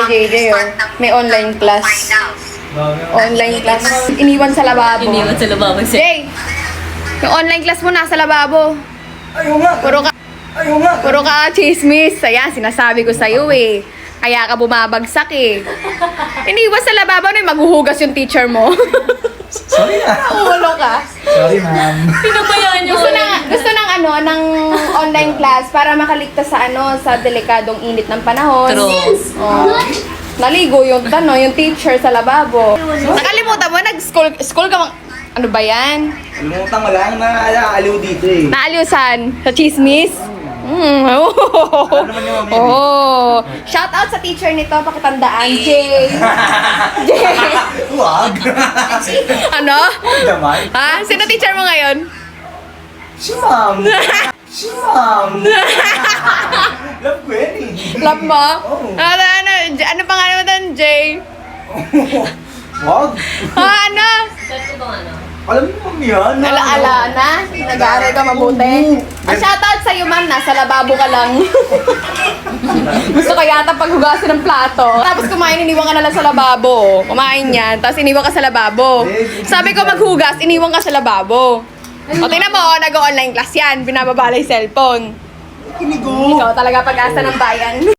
JJ, oh. May online class. Online class. Iniwan sa lababo. Iniwan sa lababo siya. Jay! Yung online class mo nasa lababo. Ayaw nga. Puro ka chismis. Ayan, sinasabi ko sa'yo eh. Kaya ka bumabagsak eh. Iniwan sa lababo na maghuhugas yung teacher mo. Sorry na. Ulo ka. Sorry, ma'am. Pinabayaan niyo. Gusto ng ng online class para makaligtas sa sa delikadong init ng panahon. True. Oh. Naligo yung yung teacher sa lababo. Nakalimutan mo school ka ano ba yan? Alimutan mo lang na aliw dito eh. Naaliusan sa chismis? Oh. Ano naman yung mami? Oh. Shout out sa teacher nito, pakitandaan, Jay. Jay. Wag. Ano? Damay. Ha? Sino teacher mo ngayon? Si ma'am. Si ma'am. Love ko yan eh. Love mo? Oo. Ano pangalan mo doon, Jay? Wag. Ano? Saan ko bang ano? Alam mo ma'am yan. Alaala na? Nag-aaral ka mabuti? Shoutout sa'yo, ma'am. Nasa lababo ka lang. Gusto ko yata paghugasin ng plato. Tapos kumain, iniwan ka na lang sa lababo. Kumain yan, tapos iniwan ka sa lababo. Sabi ko maghugas, iniwan ka sa lababo. O tingnan mo, nag-online class yan. Binababala yung cellphone. Kinigo. Ikaw talaga pag-asa ng bayan.